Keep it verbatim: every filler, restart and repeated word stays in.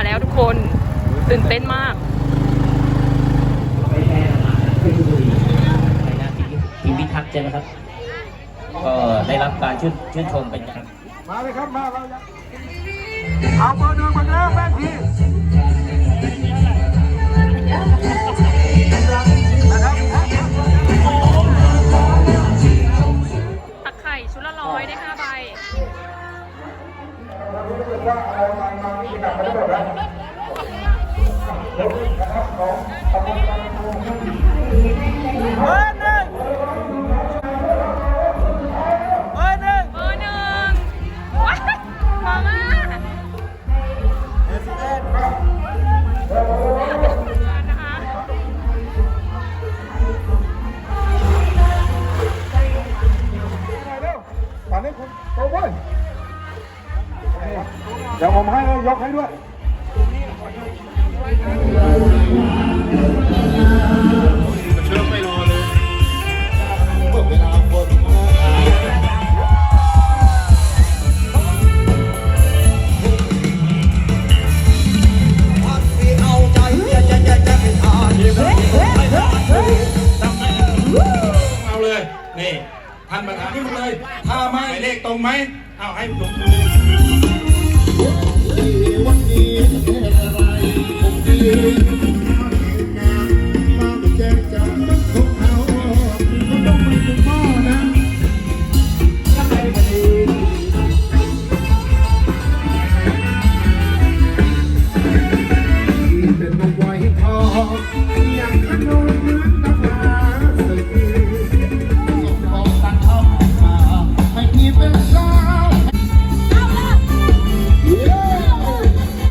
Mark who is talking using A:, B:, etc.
A: แล้วทุกคนตื่นเต้นมาก
B: ทีมพิทักษ์ใช่ไหมครับก็ได้รับการชื่นชื่นชมเป็นอย่าง
C: มาเลยครับมาเราเอาเบอร์หนึ่งมาแล้วแม่ที
A: ตักไข่ชุดละร้อยได้ห้าใบ
C: เบอร์หนึ่งเบอร์หนึ่ง
A: เบอร์หนึ่งว้าวมาม่านะคะ
C: ป่านนี้คุณโตเว้ยเดี๋ยวผมให้ยกให้ด้วยเชื่อไม่รอเลยเมื่อเวลาคน
D: เอาเลยนี่ท่านประธานนี่มาเลยถ้าไม่เลขตรงไหมเอาให้ลงวันนี้อะไรผมดีมาแจ้งจากพวกเขาเขาต้องไปถึงหม้อนะถ้าใครมาดีเป็นนกไว้ทอง